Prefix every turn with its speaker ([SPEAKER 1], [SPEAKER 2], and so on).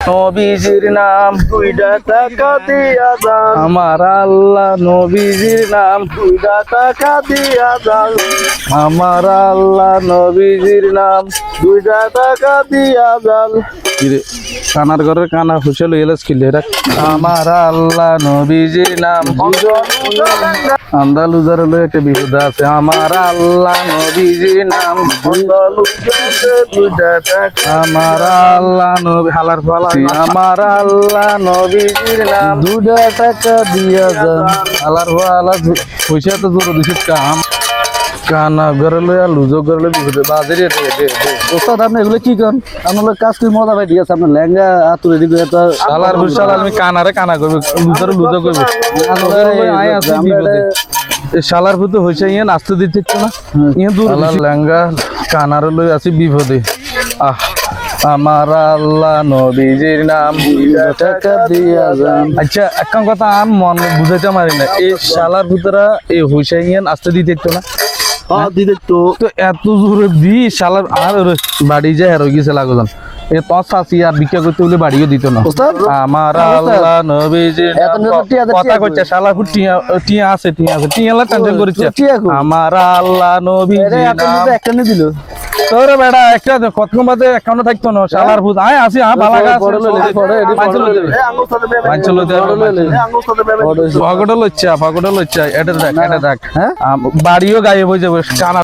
[SPEAKER 1] নবীজির নাম দুইটা টাকা দিয়া যান, আমার আল্লাহ নবীজির নাম দুইটা টাকা দিয়া যান, আমার আল্লাহ নবীজির নাম দুইটা টাকা দিয়া যান। কানার ঘরের কানা হুসেল এলাস কিলে রাখ। আমার আল্লাহ নবীজির নাম আন্দালুজার হলো একটা বিপদ আছে। আমার আল্লাহ নবীজির নাম দুইটা টাকা, আমার আল্লাহ নবী হালার ফালা, আমার আল্লাহ নবীজির নাম দুইটা টাকা দিয়া যান, হালার ফালা পয়সা তো জোর দিছিস কাম কানা ঘরে লইয়া লুজো ঘরে লই বিপদে বাজারে দে
[SPEAKER 2] ওস্তাদ আপনি এগুলো কি করেন? আপনার কাজ কি মজা পাই দিয়েছে, আপনার লেহেঙ্গা আতুরে দিকে
[SPEAKER 1] শালার হুসাল আমি কানারে কানা করবে লুজোরে লুজো করবে আয় আছে বিপদে। এই শালার ভূত হইছে ইয়ে নাচতে দিতে না ইয়ে দূর লেহেঙ্গা কানারে লই আছি বিপদে। আহ আমার আল্লাহ নবীজির নাম টাকা দিয়া যান। আচ্ছা একটা কথা আমি মন বুঝাইতে পারি না, এই শালার ভূতরা এই হুসাইন আসতে দিতে না
[SPEAKER 2] দিদি তো
[SPEAKER 1] এত জোরে দি শালার আর বাড়ি যায় আর গেছে লাগজন এ তো চাষি আর ভিক্ষা করতে বলে বাড়িও দিত না। আমার আল্লাহ নবীজির কথা কইছে শালা টিয়া টিয়া আছে টিয়া আছে টিয়ালা টেনশন করেছে। আমার আল্লাহ নবীজির নাম
[SPEAKER 2] একটা নিয়ে দিল
[SPEAKER 1] তোর বেড়া একটা কত বাদে অ্যাকাউন্টে থাকতো না শালার ভূত আয় আসি ভালো ফগড় লচ্ছা এটা দেখ বাড়িও গায়ে বই যাবে কানা